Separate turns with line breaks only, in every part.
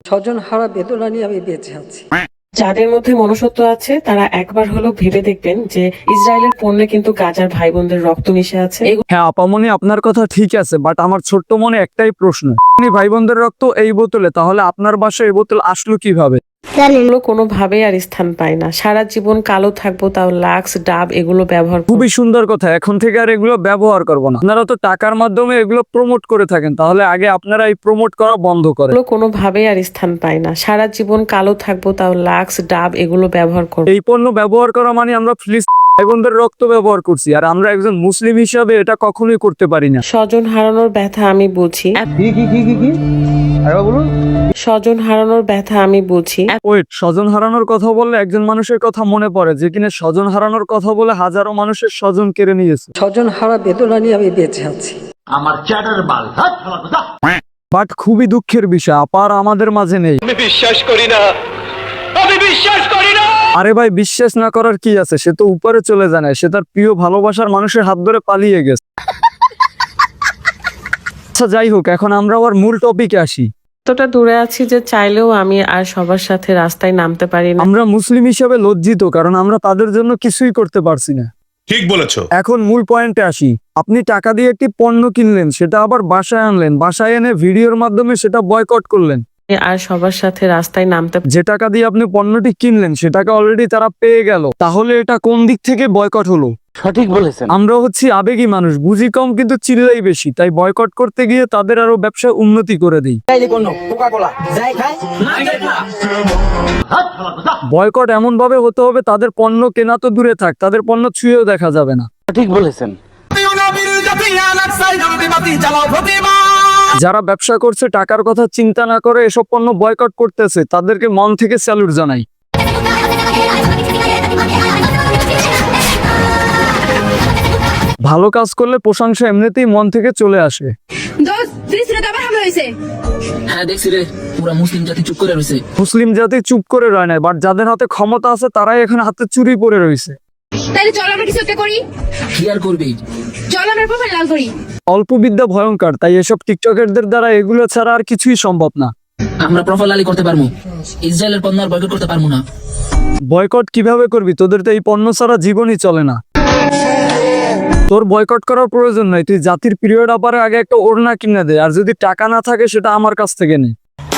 স্বজন হারা বেদনা নিয়ে আমি বেঁচে আছি।
যাদের মধ্যে মনুষ্যত্ব আছে তারা একবার হলেও ভেবে দেখবেন যে ইসরায়েলের পণ্যে কিন্তু গাজার ভাই বোনদের রক্ত মিশে আছে।
হ্যাঁ আপামনি, আপনার কথা ঠিক আছে, বাট আমার ছোট্ট মনে একটাই প্রশ্ন, ভাই বোনদের রক্ত এই বোতলে, তাহলে আপনার বাসায় এই বোতল আসলো কিভাবে?
এগুলো কোনোভাবেই আর স্থান পায় না। সারা জীবন কালো থাকবো, তাও লাক্স ডাব এগুলো ব্যবহার করবো।
খুবই সুন্দর কথা, এখন থেকে আর এগুলো ব্যবহার করবো না। আপনারা তো টাকার মাধ্যমে এগুলো প্রমোট করে থাকেন, তাহলে আগে আপনারা এই প্রমোট করা বন্ধ করেন।
এগুলো কোনোভাবেই আর স্থান পায় না। সারা জীবন কালো থাকবো, তাও লাক্স ডাব এগুলো ব্যবহার করবো।
এই পণ্য ব্যবহার করা মানে আমরা ভাই বোনদের রক্ত ব্যবহার করছি, আর আমরা একজন মুসলিম হিসাবে এটা কখনোই করতে পারি না।
স্বজন হারানোর ব্যথা আমি বুঝি। স্বজন হারানোর ব্যথা আমি বুঝি।
ওয়েট, স্বজন হারানোর কথা বললে একজন মানুষের কথা মনে পড়ে যে কিনা স্বজন হারানোর কথা বলে হাজারো মানুষের স্বজন কেড়ে নিয়েছে।
স্বজন হারা বেদনা নিয়ে আমি বেঁচে আছি।
আমার চ্যাটার বাল
বাট খুবই দুঃখের বিষয়, আপার আমাদের মাঝে নেই।
আমি বিশ্বাস করি না।
আরে ভাই, বিশ্বাস না করার কি আছে, সে তো উপরে চলে যায় না, সে তার প্রিয় ভালোবাসার মানুষের হাত ধরে পালিয়ে গেছে। আচ্ছা যাই হোক, এখন আমরা আবার মূল টপিকে আসি।
এতটা দূরে আছি যে চাইলেও আমি আর সবার সাথে রাস্তায় নামতে পারি না।
আমরা মুসলিম হিসেবে লজ্জিত, কারণ আমরা তাদের জন্য কিছুই করতে পারছি না।
ঠিক বলেছো।
এখন মূল পয়েন্টে আসি। আপনি টাকা দিয়ে একটি পণ্য কিনলেন, সেটা আবার বাসায় আনলেন, বাসায় এনে ভিডিওর মাধ্যমে সেটা বয়কট করলেন।
আর সবার সাথে রাস্তায় নামতে
যে টাকা দিয়ে আপনি পণ্যটি কিনলেন সে টাকা অলরেডি তারা পেয়ে গেল, তাহলে এটা কোন দিক থেকে বয়কট হলো?
সঠিক বলেছেন।
আমরা হচ্ছি আবেগী মানুষ, বুঝি কম কিন্তু চিল্লাই বেশি, তাই বয়কট করতে গিয়ে তাদের আরো ব্যবসা উন্নতি করে দিই। বয়কট এমন ভাবে হতে হবে তাদের পণ্য কেনা তো দূরে থাক, তাদের পণ্য ছুঁয়েও দেখা যাবে না।
সঠিক বলেছেন।
যারা ব্যবসা করছে টাকার কথা চিন্তা না করে এসব পণ্য বয়কট করতেছে, তাদেরকে মন থেকে স্যালুট জানাই। ভালো কাজ করলে প্রশংসা এমনিতেই মন থেকে চলে আসে।
হ্যাঁ দেখছি রে, পুরা মুসলিম জাতি চুপ করে রয়েছে।
মুসলিম জাতি চুপ করে রয় না, বাট যাদের হাতে ক্ষমতা আছে তারাই এখন হাতে চুরি পড়ে রয়েছে।
তাহলে চল আমরা কিছু একটা করি।
কি আর করবি?
চল আমরা প্রোফাইল লাল করি।
অল্প বিদ্যা ভয়ঙ্কর, তাই এসব টিকটকারদের দ্বারা এগুলো ছাড়া আর কিছুই সম্ভব না।
আমরা প্রোফাইল লালি করতে পারবো, ইসরায়েলের পণ্য আর বয়কট করতে পারবো না।
বয়কট কিভাবে করবি? তোদের তো এই পণ্য ছাড়া জীবনই চলে না। তোর বয়কট করার প্রয়োজন নাই, তুই জাতির পিরিয়ড আপারে আগে একটা ওড়না কিনে দে, আর যদি টাকা না থাকে সেটা আমার কাছ থেকে নে।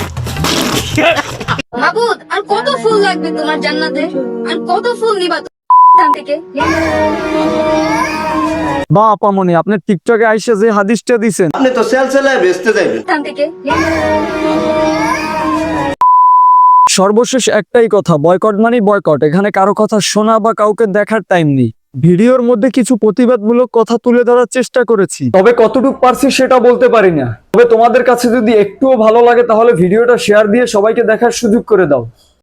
মাবুদ, আর কত ফুল লাগবে তোমার জান্নাতে? আর কত ফুল নিবা এখান থেকে?
বা আপামনি, আপনি টিকটকে আইসা যে হাদিসটা দিছেন,
আপনি তো সেলসেলায় বেচতে যাবেন।
এখান থেকে
সর্বশেষ একটাই কথা, বয়কট মানে বয়কট। এখানে কারো কথা শোনা বা কাউকে দেখার টাইম নেই। ভিডিওর মধ্যে কিছু প্রতিবাদমূলক কথা তুলে ধরার চেষ্টা করেছি, তবে কতটুকু পারছি সেটা বলতে পারি না। তবে তোমাদের কাছে যদি একটুও ভালো লাগে তাহলে ভিডিওটা শেয়ার দিয়ে সবাইকে দেখার সুযোগ করে দাও।